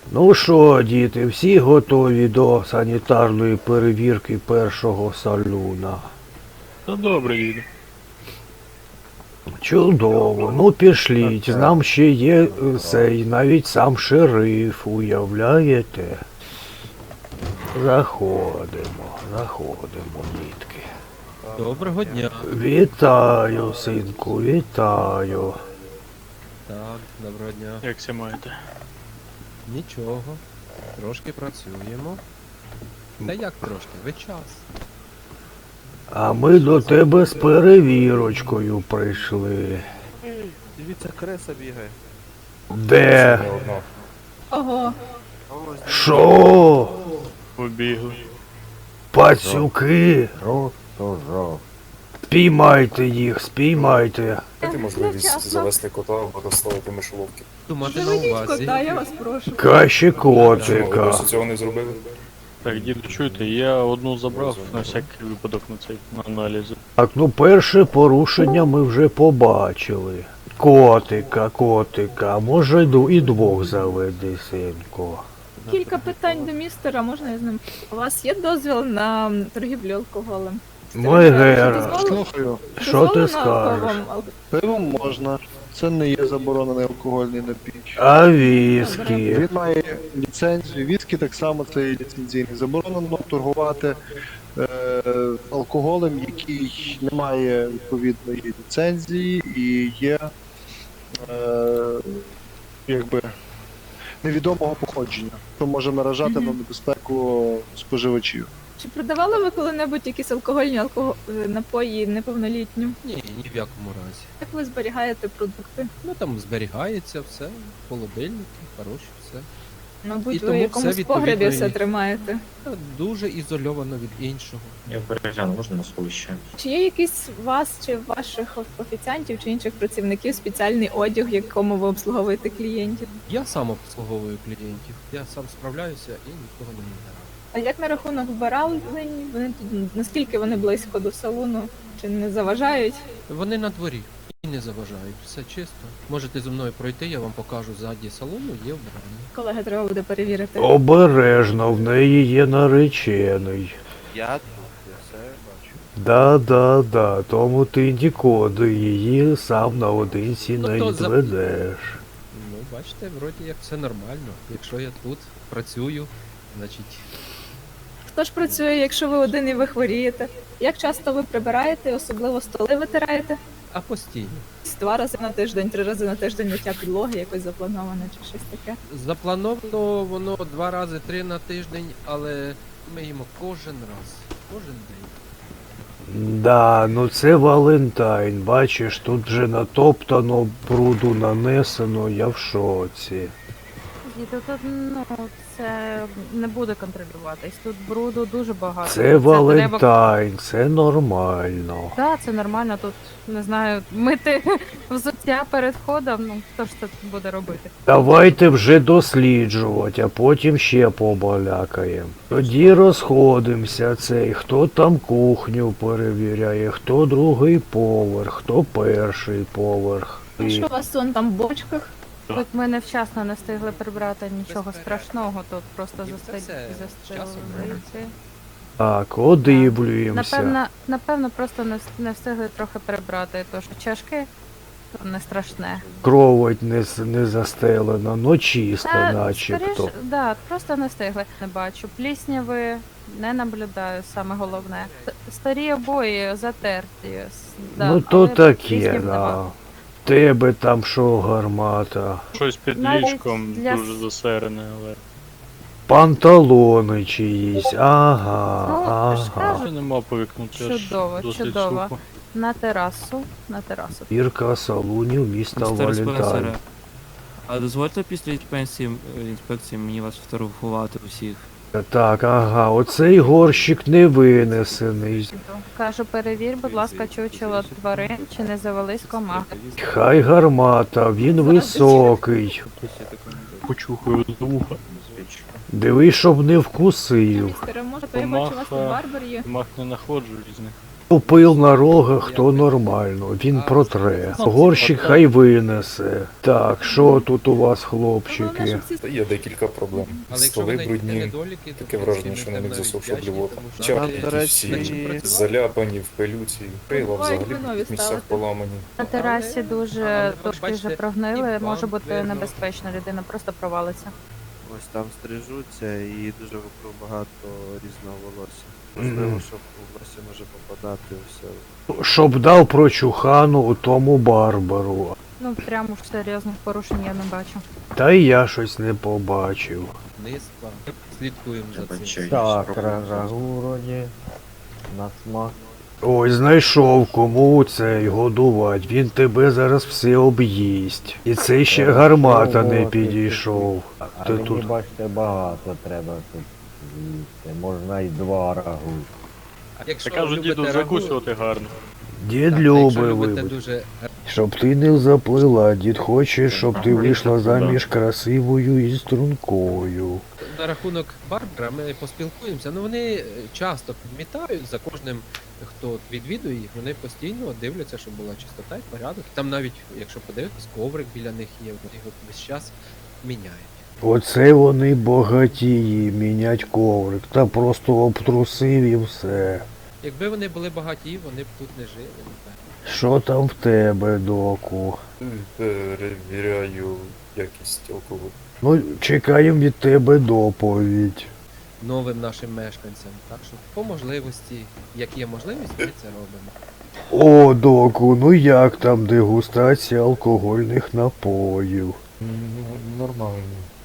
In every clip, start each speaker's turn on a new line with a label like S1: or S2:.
S1: Ну що, діти, всі готові до санітарної перевірки першого салюна?
S2: Та добре, діду.
S1: Чудово, ну пішліть, нам ще є цей, навіть сам шериф, уявляєте? Заходимо, дітки.
S3: Доброго дня.
S1: Вітаю, синку, вітаю.
S3: Так, доброго дня.
S2: Як ся маєте?
S3: Нічого. Трошки працюємо. Та як трошки? Ви час.
S1: А ми до тебе з перевірочкою прийшли.
S4: Дивіться, креса бігає.
S1: Де?
S5: Ого,
S1: Що?
S2: Побігли.
S1: Пацюки? Спіймайте їх, спіймайте.
S6: Дайте можливість
S5: невчасно.
S6: завести кота або розставити мишоловки.
S3: Думати на
S5: Заведіть
S3: увазі.
S5: кота, я вас прошу.
S1: Краще
S6: Чому ви
S1: котика.
S6: досі цього не зробили?
S2: Так, діду, чуєте, я одну забрав на всякий випадок на цей на аналізи.
S1: Так, ну перше порушення ми вже побачили. Котика, може і двох заведи, синку.
S5: Кілька питань до містера, можна я з ним? У вас є дозвіл на торгівлю алкоголем?
S1: Мой гер,
S7: Слухаю,
S1: що ти
S5: Дозволено
S1: скажеш?
S5: вам
S7: пиво можна. Це не є заборонений алкогольний напій.
S1: А віскі?
S7: Він має ліцензію. Віскі так само це є ліцензійний. Заборонено торгувати алкоголем, який не має відповідної ліцензії і є якби невідомого походження, що може наражати на небезпеку споживачів.
S5: Чи продавали ви коли-небудь якісь алкогольні напої неповнолітнім?
S3: Ні, ні в якому разі.
S5: Як ви зберігаєте продукти?
S3: Ну там зберігається все, холодильники, хороші, все.
S5: Мабуть,
S3: І
S5: ви
S3: тому
S5: в якомусь
S3: все
S5: погребі
S3: відповідно
S5: все
S3: і-
S5: тримаєте.
S3: Та дуже ізольовано від іншого.
S8: Я перегляну, можна на сховище?
S5: Чи є якийсь у вас чи ваших офіціантів чи інших працівників спеціальний одяг, в якому ви обслуговуєте клієнтів?
S3: Я сам обслуговую клієнтів. Я сам справляюся і нікого не відбираю.
S5: А як на рахунок вбиралень? Вони тут наскільки вони близько до салону? Чи не заважають?
S3: Вони на дворі і не заважають. Все чисто. Можете зі мною пройти, я вам покажу ззаді салону, є вбирання.
S5: Колеги, треба буде перевірити.
S1: Обережно, в неї є наречений.
S4: Я тут, я все бачу.
S1: Да, тому ти нікуди її сам наодинці не
S3: Ну, то за-
S1: відведеш.
S3: Ну, бачите, вроді як все нормально. Якщо я тут працюю, значить.
S5: Хто ж працює, якщо ви один і ви хворієте? Як часто ви прибираєте, особливо столи витираєте?
S3: А постійно.
S5: 2 рази на тиждень, 3 рази на тиждень миття підлоги, якось заплановане чи щось таке.
S3: Заплановано воно 2 рази 3 на тиждень, але ми їмо кожен раз. Кожен день.
S1: Да, ну це Валентайн, бачиш, тут вже натоптано, бруду нанесено, я в шоці.
S9: Діти, тут це не буде контролюватись. Тут бруду дуже багато.
S1: Це
S9: треба...
S1: Валентайн, це нормально.
S9: Так, це нормально. Тут не знаю, мити взуття перед входом. Ну хто ж це буде робити?
S1: Давайте вже досліджувати, а потім ще побалякаємо. Тоді розходимося цей, хто там кухню перевіряє, хто другий поверх, хто перший поверх.
S5: А що у вас сон там в бочках?
S9: Тут ми невчасно не встигли прибрати нічого страшного. Тут просто
S3: Це все з часом
S9: застелили.
S1: Так, одивлюємося.
S9: Напевно, просто не встигли трохи прибрати, тож чашки то не страшне.
S1: Кровать не застелена, но чисто начебто.
S9: скоріш, да, просто не встигли. Не бачу. Плісняви не наблюдаю, саме головне. Старі обої затерті. Да,
S1: Ну то
S9: але
S1: таке,
S9: пліснів
S1: да.
S9: нема.
S1: Тебе там що гармата?
S2: Щось під
S9: Навіть
S2: ліжком
S9: для
S2: дуже засерене, але.
S1: Панталони чиїсь, ага,
S9: Ну, ж
S1: ага.
S9: кажу.
S2: Ще нема повикнути, аж
S9: Чудово,
S2: досить
S9: чудово.
S2: сухо.
S9: На терасу, на терасу.
S1: Бірка салунів міста Валентайн.
S10: А дозвольте після інспекції мені вас фотографувати усіх.
S1: Так, ага, оцей горщик не винесений.
S9: Кажу, перевір, будь ласка, чучело тварин, чи не завелись комахи.
S1: Хай гармата, він високий.
S2: Почухаю з вуха.
S1: Дивись, щоб не вкусив.
S5: Містере, може, то я бачу, у вас тут
S2: Комаха.
S5: барбар є.
S2: Мах не знаходжу різних.
S1: Пил на рогах, то нормально, він протре. Горщик хай винесе. Так, що тут у вас, хлопчики?
S6: Та є декілька проблем.
S3: Але якщо
S6: Столи
S3: ви знайдете
S6: брудні,
S3: недоліки, то
S6: таке
S3: в
S6: враження,
S3: принципі,
S6: що
S3: ми
S6: на них
S3: навіть
S6: засохша
S3: вдячні,
S6: блювота.
S3: тому що
S6: Чапки
S7: Нам, до
S6: всі
S7: речі,
S6: заляпані в пилюці, крила
S5: Бувають
S6: взагалі
S5: ви нові
S6: в місцях
S5: ставите.
S6: поламані.
S9: На терасі дуже
S3: але
S9: трошки
S3: бачите,
S9: вже прогнили,
S3: і
S9: може
S3: вам
S9: бути
S3: видно.
S9: небезпечно, людина просто провалиться.
S11: Ось там стрижуться і дуже вокруг багато різного волосся. Можливо, щоб волосся може попадати все.
S1: Щоб дав прочухану у тому барбару.
S9: Ну, прямо ж серйозних порушень я не бачу.
S1: Та й я щось не побачив.
S3: Низько. Слідкуємо за
S8: Треба
S3: цим.
S8: чай.
S4: Так,
S8: спробувати.
S4: рагу вроді. На смак.
S1: Ой, знайшов кому цей годувати, він тебе зараз все об'їсть. І це ще гармата не підійшов.
S4: А
S1: Ти
S4: мені,
S1: тут.
S4: бачите, багато треба тут їсти. Можна й 2 рагу.
S3: А якщо
S2: Я кажу,
S3: любите
S2: діду,
S3: рагу,
S2: закусувати гарно.
S1: Дід
S3: так, якщо
S1: любить,
S3: любите
S1: вибач.
S3: дуже
S1: Щоб ти не заплила, дід хоче, щоб ти вийшла заміж красивою і стрункою.
S3: на рахунок Барбара, ми поспілкуємося. Ну вони часто підмітають за кожним, хто от відвідує їх, вони постійно дивляться, щоб була чистота і порядок. Там навіть, якщо подивитись, коврик біля них є, вони його весь час міняють.
S1: Оце вони богатії, мінять коврик, та просто обтрусив і все.
S3: Якби вони були багаті, вони б тут не жили, напевно.
S1: Що там в тебе, доку?
S6: Перевіряю якість алкоголю.
S1: Ну, чекаємо від тебе доповідь.
S3: Новим нашим мешканцям. Так що по можливості, як є можливість, ми це робимо.
S1: О, доку, ну як там дегустація алкогольних напоїв?
S6: Нормально.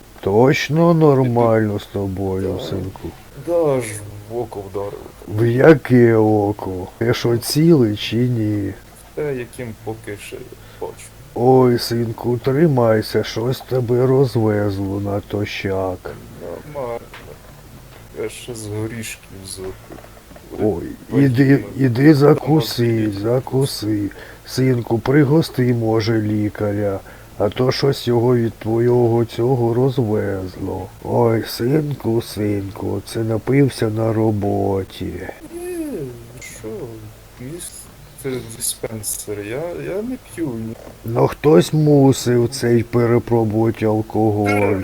S1: Точно нормально з тобою, синку.
S6: Да, аж в око вдарило.
S1: В яке око? Ти що цілий чи ні?
S6: Те, яким поки ще бачу.
S1: Ой, синку, тримайся, щось тебе розвезло на тощак.
S6: Нормально. Я ще з горішків запив.
S1: Ой, іди закуси. Синку, пригости, може, лікаря, а то щось його від твого цього розвезло. Ой, синку, це напився на роботі.
S6: Що? Містер диспенсер, я не п'ю.
S1: Ну хтось мусив цей перепробувати алкоголь.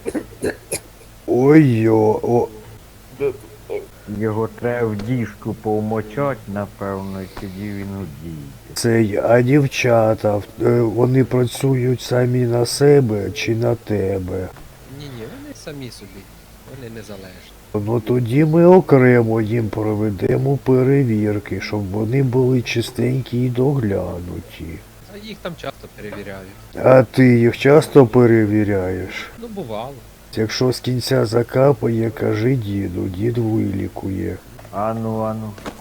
S1: Ой-йо, о.
S6: Де тут?
S4: Його треба в діжку повмочать, напевно, і тоді він удіє.
S1: Цей, а дівчата, вони працюють самі на себе чи на тебе?
S3: Ні, вони самі собі, вони незалежні.
S1: Ну тоді ми окремо їм проведемо перевірки, щоб вони були чистенькі і доглянуті.
S3: А їх там часто перевіряють.
S1: А ти їх часто перевіряєш?
S3: Ну, бувало.
S1: Якщо з кінця закапає, кажи діду, дід вилікує.
S4: Ану.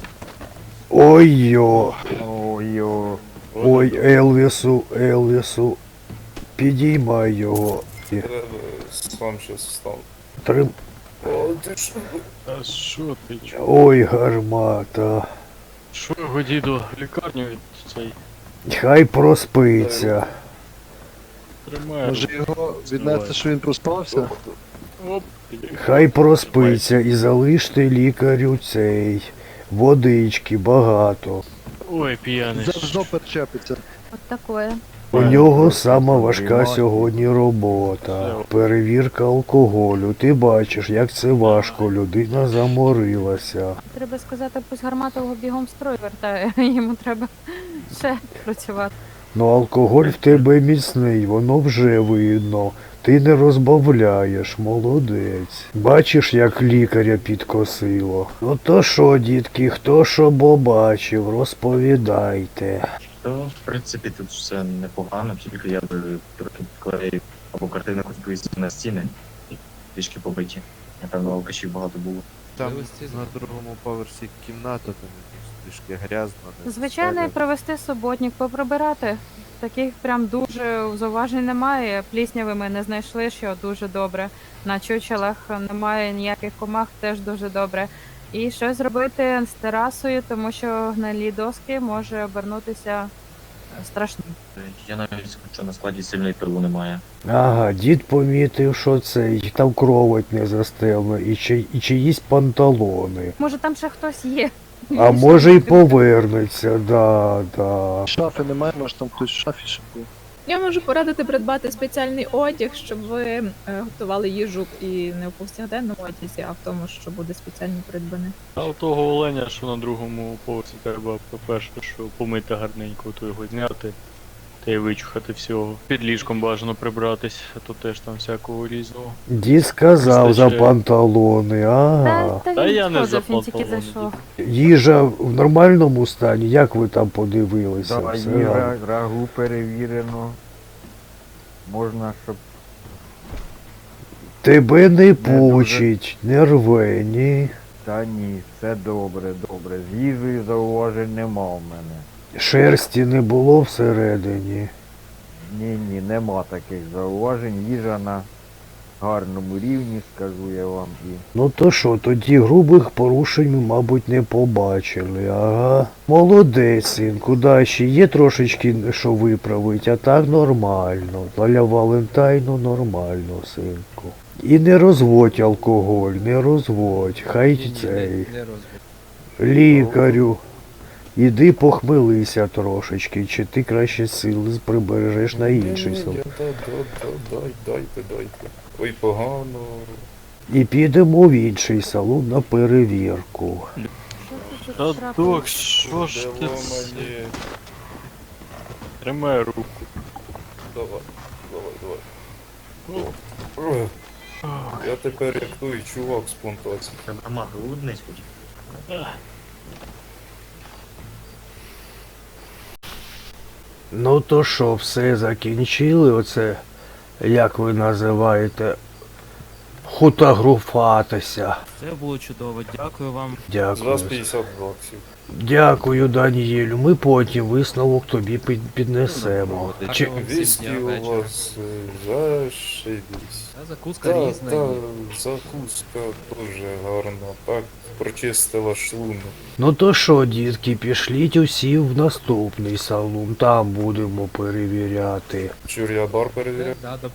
S1: Ой-йо,
S4: Ой-о.
S1: ой, Елвісу, підіймай його.
S6: Треба сам щас встану.
S1: Трим...
S6: О, ти що?
S2: Та що ти чо?
S1: Ой, гармата.
S2: Що його діду? Лікарню від цей
S1: Хай проспиться.
S2: тримає.
S7: Може його віднести, що він проспався?
S2: Оп.
S1: Хай проспиться і залиште лікарю цей. Водички багато.
S2: Ой, п'яний.
S7: Завжди перечепиться.
S9: От такое.
S1: У нього сама важка сьогодні робота. Перевірка алкоголю. Ти бачиш, як це важко. Людина заморилася.
S9: Треба сказати, пусть гарматового бігом в строй вертає. Йому треба ще працювати.
S1: Ну алкоголь в тебе міцний, воно вже видно. Ти не розбавляєш, молодець. Бачиш, як лікаря підкосило. Ну то що, дітки, хто що побачив, розповідайте.
S8: То, в принципі, тут все непогано, тільки я би трохи клеїв або картини хоч повісив на стіни і трішки побиті. Напевно, алкашів багато було.
S11: Там
S3: Можливості
S11: на другому поверсі кімната, там якось трішки грязно. не
S9: Звичайно,
S11: стелено.
S9: провести суботник, поприбирати. Таких прям дуже зауважень немає. Плісняви ми не знайшли, що дуже добре. На чучелах немає ніяких комах, теж дуже добре. І щось зробити з терасою, тому що гнилі доски може обернутися страшним.
S8: Я навіть скажу, що на складі сильної пилу немає.
S1: Ага, дід помітив, що цей, там кровать не застелена і чиїсь панталони.
S9: Може там ще хтось є.
S1: А може й повернеться, да.
S7: Шафи немає, може там хтось в шафі ще був.
S5: Я можу порадити придбати спеціальний одяг, щоб ви готували їжу і не в повсякденному одязі, а в тому, що буде спеціально придбане.
S2: А у того оленя, що на другому поверсі треба, по-перше, що помити гарненько, то його зняти. Та й вичухати всього. Під ліжком бажано прибратись, а то теж там всякого різного.
S1: Дід сказав за
S2: Вистачає.
S1: панталони, ага.
S9: Та
S2: Та
S9: він
S2: я не
S9: сходив, він тільки
S2: запланований.
S9: зайшов.
S1: Їжа в нормальному стані, як ви там подивилися?
S4: Да,
S1: Все
S4: і
S1: гарно.
S4: рагу перевірено. Можна, щоб
S1: Тебе не
S4: дуже.
S1: пучить, не рве, ні.
S4: Та ні, все добре. З їжею зауважень нема в мене.
S1: Шерсті не було всередині.
S4: Ні, нема таких зауважень. Їжа на гарному рівні, скажу я вам. І
S1: Ну то що, тоді грубих порушень ми, мабуть, не побачили, ага. Молодець, синку, да, ще є трошечки, що виправить, а так нормально. Для Валентайну нормально, синку. І не розводь алкоголь, не розводь, хай
S3: Ні,
S1: цей.
S3: не розбив.
S1: Лікарю, іди похмелися трошечки, чи ти краще сили прибережеш на інший сон.
S6: Дайте. Ой, погано.
S1: І підемо в інший салон на перевірку.
S9: Що тут
S2: Та
S9: трапилось?
S2: док, що ж ти
S6: Де
S2: це?
S6: мені?
S2: Тримай руку.
S6: Давай. Ой. Я тепер як той чувак з плантації.
S8: Треба мати лудниць хоч.
S1: Ну то що, все закінчили, оце, як ви називаєте, фотографуватися.
S10: Це було чудово, дякую вам.
S6: З
S1: Дякую.
S6: вас 50 баксів.
S1: Дякую, Даніелю. Ми потім висновок тобі піднесемо.
S3: Ну,
S1: Чи...
S3: гарного всім
S6: Віскі
S3: дня,
S6: у
S3: вечора.
S6: вас зашибісь.
S3: Та закуска різна є.
S6: Закуска дуже гарна, так прочистила шлунок.
S1: Ну то що, дітки, пішліть усі в наступний салон, там будемо перевіряти.
S6: Чур я бар перевіряв?
S3: Да,